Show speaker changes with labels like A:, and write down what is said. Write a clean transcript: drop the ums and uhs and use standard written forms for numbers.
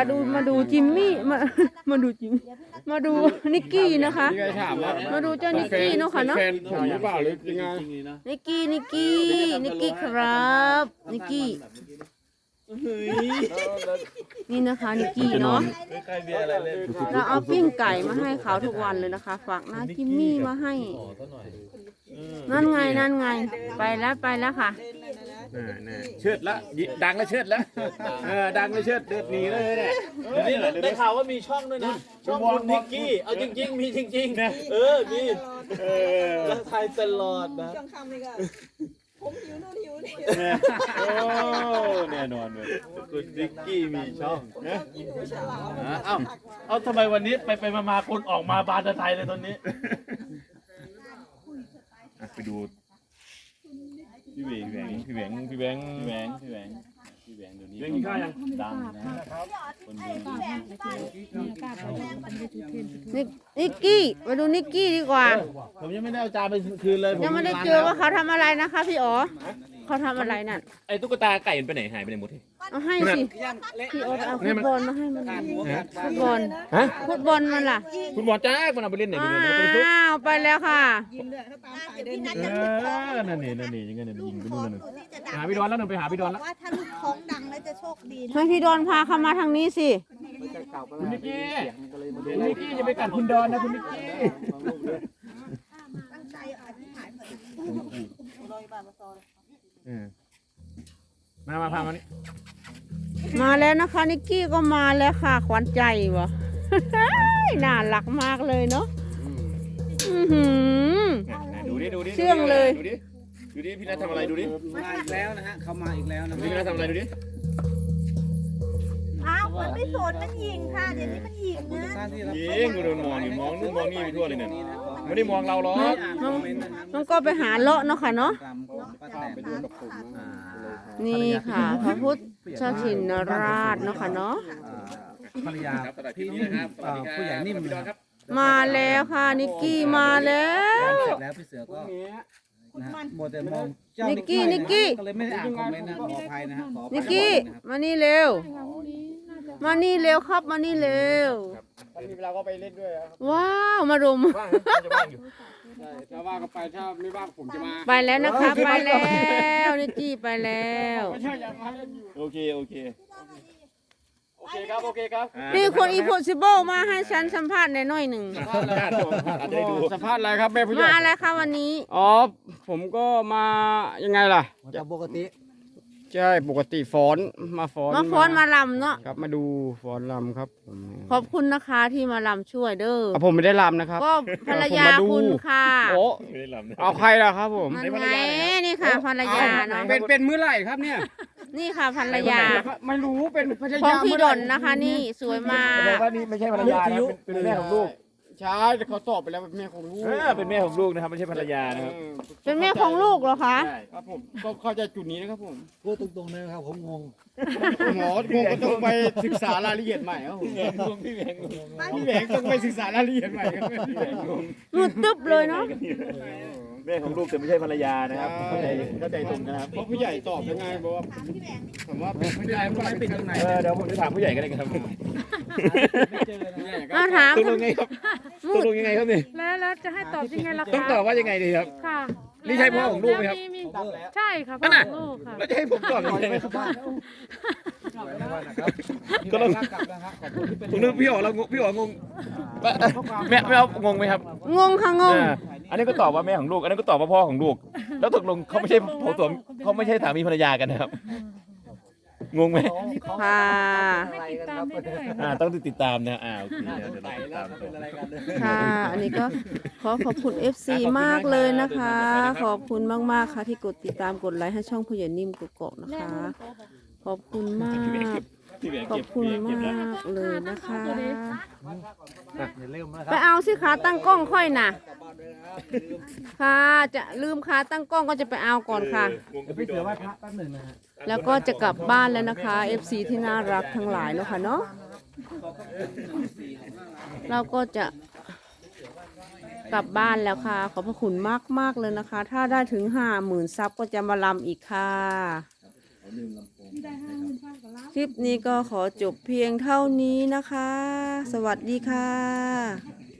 A: มาดูจิมมี่มาดูจิมมาดูนิกกี้นะคะมาดูเจ้านิกกี้เนาะค่ะเนาะ
B: แฟนผมหรือเปล่าหรือยังไง
A: นิกกี้ครับนิกกี้นี่นะคะนิกกี้เนาะเราเอาปิ้งไก่มาให้เขาทุกวันเลยนะคะฝากน้าจิมมี่มาให้นั่นไงไปแล้วค่ะ
B: เชิดละดังแล้วเชิดแล้วดังแล้วเชิดเดือดหนีเลยเนี่ย
C: ได้ข่าวว่ามีช่องด้วยนะช่องคุณนิกกี้เอาจริงๆมีจริงๆมีแล้วถ่ายตลอดนะ
D: ช่วงค่ำนี่ก็ผมหิวนู่นหิวนี่
C: แน่นอนเลยคุณนิกกี้มีช่อง
D: ฉลาม
C: เอาทำไมวันนี้ไปมาคนออกมาบานตะไทยเลยตอนนี้
B: ไปดูพี่แหวงเดี๋ยวนี้ดังนะครับคน
A: นิกกี้มาดูนิกกี้ดีกว่า
C: ผมยังไม่ได้เอาจานไปคืนเลย
A: ยังไม่ได้เจอว่าเขาทำอะไรนะคะพี่อ๋อเขาทำอะไรนั่น
B: ไอ้ตุ๊กตาไก่มันไปไหนหายไปไหนหมดที
A: เอาให้สิพี่อ๋อเอาฟุตบอลมาให้มันฟุตบอล
B: ฮะ
A: ฟุตบอลมันล่ะ
B: คุณหมอจ้ามันเอาไปเล่นไหนไปเล่นไปซุก
A: อ้าวไปแล้วค่ะ
D: ยิงเลยถ้าตามสายเดิน
B: นั่นนี่ยังไงเนี่ยยิงไปนู่นนั่นหาพี่ดอนแล้วนึงไปหาพี่ดอนแล้ว
D: ว่าถ้าลูกท้องดังแล้วจะโชคดีนะ
A: ให้พี่ดอนพาเข้ามาทางนี้สิ
B: คุณนิกกี้จะไปกัดคุณดอนนะคุณนิกกี้
D: ตั้งใจอธิษฐานเหมือนรอยบามาซอ
B: มาพามานี่
A: มาแล้วนะคะนิกกี้ก็มาแล้วค่ะขวัญใจวะ น่ารักมากเลยเนาะ
B: ดูดิ
A: เชื่องเลย
B: ดูดิพี่นัททำอะไรดูดิ
E: มาอีกแล้วนะฮะเขามาอีกแล้วนะ
B: พี่นัททำอะไรดูดิ
D: อ้าวมันไม่โสดมันยิงค่ะเดี๋ยวนี้มันยิงนะ
E: ท่านที่รับ
B: ยิงกูโดนมองอยู่มองนู่นมองนี่ไปทั่วเลยเนี่ยไม่ได้มองเราหรอก
A: มันก็ไปหาเลาะเนาะค่ะเนาะ
E: กรรมของป้าแตน
A: นี่ค่ะพระพุทธชินราชเนาะค่ะเนาะ
E: ภรรยาพี่นิ่มผู้ใหญ่นิ่มนะครับ
A: มาแล้วค่ะนิกกี้มาแล้ว
E: เสร็จแล้วพี่เสือก็นะฮะโมเดลมองเจ้า
A: นิกกี้
E: ก็เลยไม่ได้อ่านคอมเมนต์นะขออภัยนะฮะขออภัย
A: นิกกี้มานี่เร็วมานี่เร็วครับมานี่เร็ว
B: มีเวลาก็ไปเล่นด้วยครับ
A: ว้าวมารุม
B: ว่างจะว่างอยู่ถ้าว่างก็ไปถ้าไม่ว่างผมจะมา
A: ไปแล้วนะคะไปแล้วนิกกี้ไปแล้ว
B: ไม่ใช่ยังมาเล่นอยู่โอเคครับ
A: นี่คนอีโพสิเบิลมาให้ฉันสัมภาษณ์ในหน่อยหนึ่ง
B: อาจจะได้ดูสัมภาษณ์อะไรครับแม่ผู้ใหญ่
A: มาอะไรคะวันนี้
B: อ๋อผมก็มายังไงล่ะ
E: จากปกติ
B: ใช่ปกติฟ้อนมาฟ้อน
A: มาฟ้อนมาลำเนาะ
B: ครับมาดูฟ้อนรำครับผม
A: ขอบคุณนะคะที่มาลำช่วยเด้อ
B: ผมไม่ได้รำนะครับ
A: ก็ภรรยาคุณค่ะ
B: โอ้เอาใครล่ะครับผม
A: นั่นไงนี่ค่ะภรรยาเนาะ
B: เป็นเมื่อไหร่ครับเนี่ย
A: นี่ค่ะภรรยา
B: ไม่รู้เป็นภรร
A: ของ
B: ยา
A: พี่ดอนนะคะ นี่สวยมาก
B: แต่ว่านี่ไม่ใช่ภรรยานะเป็นแม่ของลูกใช่เขาตอบไปแล้วเป็นแม่ของลูกเป็นแม่ของลูกนะครับไม่ใช่ภรรยานะครับ
A: เป็นแม่ของลูกเหรอคะ
B: ใช่ครับผมก็เข้าใจจุดนี้นะครับผม
E: พูดตรงๆนะครับผมงง
B: หมองงก็ต้องไปศึกษารายละเอียดใหม่ครับผมพี่แหวงต้องไปศึกษารายละเอียดใหม่ครับพี่แหวงงง
A: หลุดตึ๊บเลยเนาะ
C: แม่ของลูกแต่ไม่ใช่ภรรยานะครับเข้าใจตรงกันนะครับ
B: เพราะผู้ใหญ่ตอบยังไงบอกว่าผมว่าเป็นผู้ใหญ่ไม่ปิดตรงไหน
C: เดี๋ยวผมจะถามผู้ใหญ่กันเลยครับ
E: ไม่เจอนะ
A: เราถาม
C: ตกลงไงครับตกลงยังไงครับนี่
F: แล้วจะให้ตอบยังไงล่ะ
C: ต้อง
F: คะ
C: ตอบว่ายังไงดีครับ
F: ค่ะ
C: นี่ใช่พ่อของลูกไหมครับ
F: ใช่ค่ะพ่อของลูกค่ะ
C: แล้วจะให้ผมตอบยังไงครับก็
E: ก็
C: ต้อง
E: กลับแล้วครับขอบคุณที่เป็น
C: ผมนึกพี่อ๋อเราพี่อ๋องงแม่เอางงไหมครับ
A: งงค่ะงง
C: อันนี้ก็ตอบว่าแม่ของลูก อันนี้ก็ตอบว่าพ่อของลูก แล้วตกลงเขาไม่ใช่เขาไม่ใช่สามีภรรยากันนะครับ งงไหม
A: ค่ะ
F: ให้ติดตามได้ด้วย
C: ต้องติดตามนะโอเคเดี๋ยวเราติดตาม
A: ค่ะ อันนี้ก็ขอบคุณ FC มากเลยนะคะ ขอบคุณมากๆค่ะที่กดติดตามกดไลค์ให้ช่องผู้ใหญ่นิ่มกกอกนะคะ ขอบคุณมาก ขอบคุณมากเลยนะคะ
E: อย่าลืมนะค
A: ไป
E: รับ
A: เอาสิขาตั้งกล้องค่อยน่ะ ค่ะจะลืมขาตั้งกล้องก็จะไปเอาก่อนค่ะ
E: พี่เสือไหว้พระแป๊บหนึ่งนะฮะ
A: แล้วก็จะกลับบ้านแล้วนะคะ FC ที่น่ารักทั้งหลายเนาะค่ะเนาะเราก็จะกลับบ้านแล้วค่ะ ขอบพระคุณมากๆเลยนะคะ ถ้าได้ถึง50,000 ซับก็จะมาลำอีกค่ะคลิปนี้ก็ขอจบเพียงเท่านี้นะคะ สวัสดีค่ะ